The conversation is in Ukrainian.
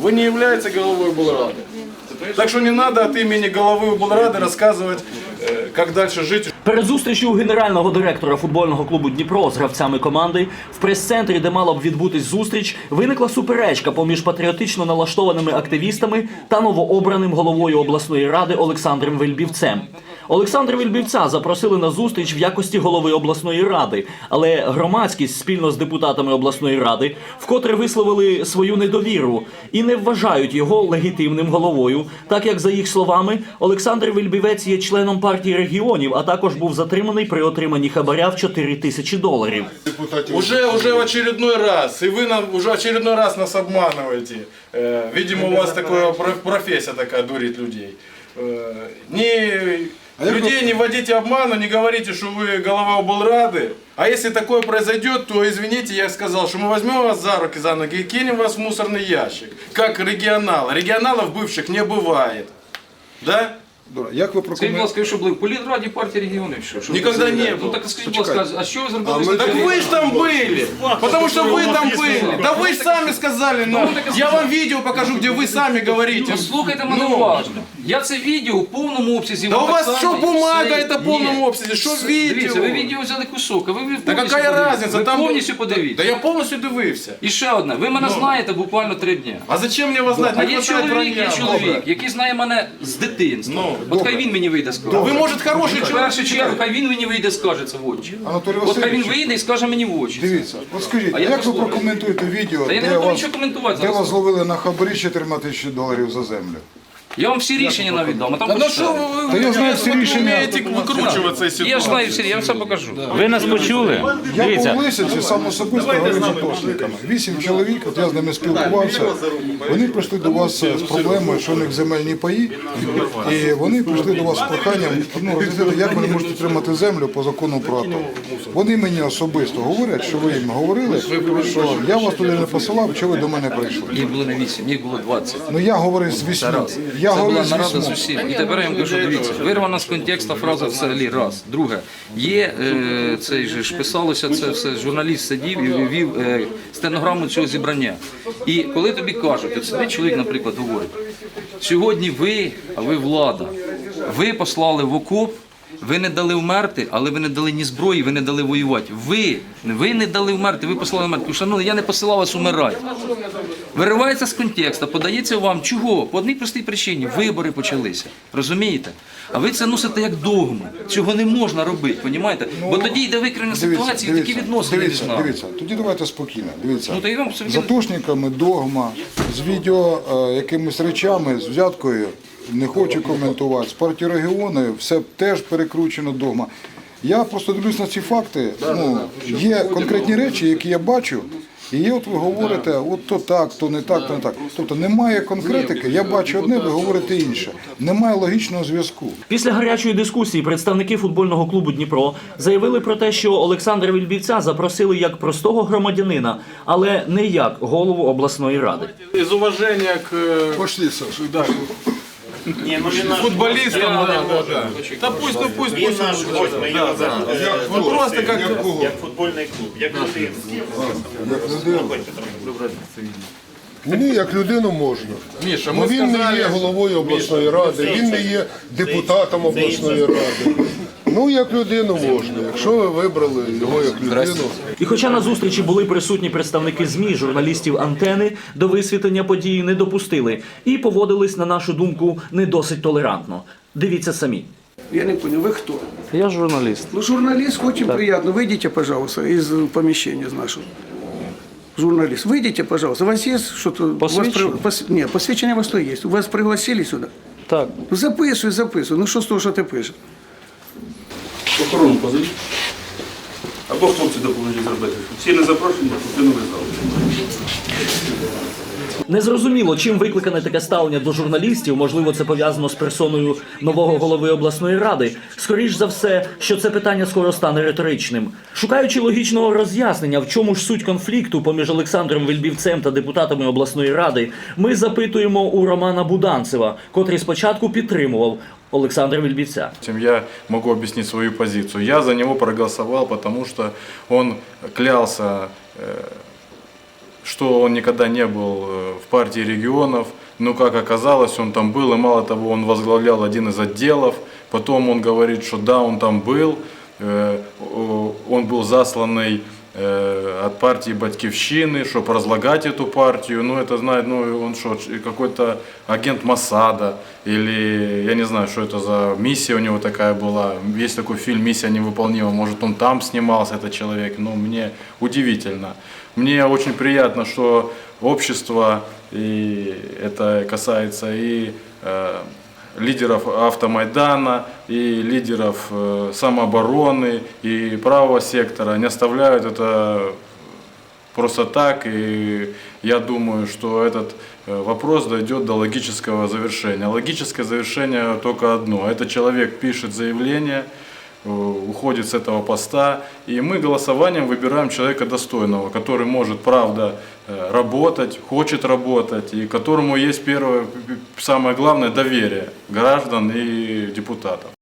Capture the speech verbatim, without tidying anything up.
Вы не являетесь головой облрады. Так что не надо от имени головы облрады рассказывать, как дальше жить. Перед зустрічю генерального директора футбольного клубу «Дніпро» з гравцями команди в прес-центрі, де мала б відбутись зустріч, виникла суперечка поміж патріотично налаштованими активістами та новообраним головою обласної ради Олександром Вельбівцем. Олександра Вельбівця запросили на зустріч в якості голови обласної ради, але громадськість спільно з депутатами обласної ради вкотре висловили свою недовіру і не вважають його легітимним головою, так як, за їх словами, Олександр Вельбівець є членом партії регіонів, а також був затриманий при отриманні хабаря в чотири тисячі доларів. Уже, уже в очередной раз, и вы нам, уже очередной раз нас обманываете. Э, видимо, у вас такая профессия такая, дурить людей. Э, не... Людей не вводите обману, не говорите, что вы голова облрады. А если такое произойдет, то, извините, я сказал, что мы возьмем вас за руки, за ноги и кинем вас в мусорный ящик. Как регионал. Регионалов бывших не бывает. Да? Як ви Скажіть, будь ласка, ви що були в політраді партії регіонів? Що? Що Никогда не Ну был. так скажіть, будь ласка, а що ви зробили з Так вы же там были, потому что вы там были. Да вы же сами сказали, ну, я вам видео покажу, где вы сами говорите. Ну, слухайте мене уважно. Я це відео в повному обсязі. Да вам у вас так что само бумага, все это в полном є. обсязі, что Все, видео? Дивіться, ви відео взяли кусок, а ви повністю Да какая подивіться. разница? Ви Там... повністю подивіться. Да я полностью дивився. І ще одне, ви мене знаєте буквально три дні. А зачем мне вас знать? А Не є хватает чоловік, є вранья. чоловік, який знає мене з дитинства. От хай він мені вийде скаже. Ви, може, хороший В чоловік. першу чергу, хай він мені вийде скаже це в очі. Анатолій От хай він Васильович, вийде і скаже мені в очі. дивіться, от скажіть, А я як ви послухаю. прокоментуєте відео, Та я не де готовий вас, нічого коментувати де вас зараз. зловили на хабарі чотири тисячі доларів за землю? Я вам всі рішення навіть дам, а там Да ну почитайте. что вы, Та я знаю всі вы рішення. умеете выкручиваться из Я ж ситуации. знаю всі, я вам все покажу. Ви нас почули? Я Дивіться, по Лисиці сам особисто говорив з атошниками. Вісім чоловік, от я з ними спілкувався, вони прийшли до вас з проблемою, що у них земельні паї, і вони прийшли до вас з проханням, ну, роз'яснити, як вони можуть отримати землю по закону про АТО. Вони мені особисто говорять, що ви їм говорили, що я вас туди не посилав, що ви до мене прийшли. Їх було не вісім, їх було двадцять. Ну я говорив з вісьми. Я Це говорив була з нарада з вісьми. усім. І тепер я вам кажу, дивіться, вирвана з контексту фраза взагалі, раз. Друге, є, е, цей же ж писалося це все, журналіст сидів і вів е, стенограму цього зібрання. І коли тобі кажуть, от сидить чоловік, наприклад, говорить, сьогодні ви, а ви влада, ви послали в окоп, ви не дали вмерти, але ви не дали ні зброї, ви не дали воювати. Ви, ви не дали вмерти, ви послали вмерти. Шановні, я не посилав вас умирати. Виривається з контексту, подається вам. Чого? По одній простій причині. Вибори почалися. Розумієте? А ви це носите як догму. Цього не можна робити, розумієте? Бо тоді йде викривлення ситуації, і такі відносини між дивіться, нами. дивіться, тоді давайте спокійно. Дивіться, Ну, то я вам собі- з атошниками догма, з відео е, якимись речами, з взяткою, не хочу коментувати, з партії регіону, все теж перекручено догма. Я просто дивлюсь на ці факти, ну, є конкретні речі, які я бачу, і є, от ви говорите, от то так, то не так, то не так. Тобто немає конкретики, я бачу одне, ви говорите інше. Немає логічного зв'язку. Після гарячої дискусії представники футбольного клубу «Дніпро» заявили про те, що Олександра Вельбівця запросили як простого громадянина, але не як голову обласної ради. Из уважения к Пошли, Саша. да, футболистам, да, да, да. Да пусть, ну пусть, Він пусть. наш гость, ми його зараз. Он просто как... Як футбольний клуб, як людина. Мені як людину можна. Миша, Бо мы він не сказали... є головою обласної ради, він не є депутатом обласної ради. Ну, як людину можна, якщо ви вибрали його як людину. І хоча на зустрічі були присутні представники ЗМІ, журналістів «Антени» до висвітлення події не допустили і поводились, на нашу думку, не досить толерантно. Дивіться самі. Я не понял, вы кто? Я журналіст. Ну, журналист, очень приятно. Выйдите, пожалуйста, из помещения из нашего. Журналист, выйдите, пожалуйста. У вас есть что-то? Посвідчення? Вас, при- пос... Нет, посвящение у вас то есть. Вас пригласили сюда? Так. Ну, записуй, записуй. Ну, що з того, що ти пишеш? Охорону позовіть. Або хлопці допоможуть зробити. Всі не запрошені, то не визнали. Незрозуміло, чим викликане таке ставлення до журналістів, можливо, це пов'язано з персоною нового голови обласної ради. Скоріш за все, що це питання скоро стане риторичним. Шукаючи логічного роз'яснення, в чому ж суть конфлікту поміж Олександром Вельбівцем та депутатами обласної ради, ми запитуємо у Романа Буданцева, котрий спочатку підтримував Олександра Вельбівця. Я могу объяснить свою позицию. Я за него проголосовал, потому что он клялся что он никогда не был в партии регионов, но как оказалось, он там был, и мало того, он возглавлял один из отделов, потом он говорит, что да, он там был, он был засланный от партии Батькивщины, чтобы разлагать эту партию. Ну, это знает, ну, он что, какой-то агент Моссада, или я не знаю, что это за миссия у него такая была. Есть такой фильм «Миссия невыполнима», может, он там снимался, этот человек, но мне удивительно. Мне очень приятно, что общество, и это касается и э, лидеров Автомайдана, и лидеров э, самообороны, и правого сектора не оставляют это просто так. И я думаю, что этот э, вопрос дойдет до логического завершения. Логическое завершение только одно. Это человек пишет заявление, э, уходит с этого поста, и мы голосованием выбираем человека достойного, который может, правда, работать, хочет работать, и которому есть первое, самое главное, доверие граждан и депутатов.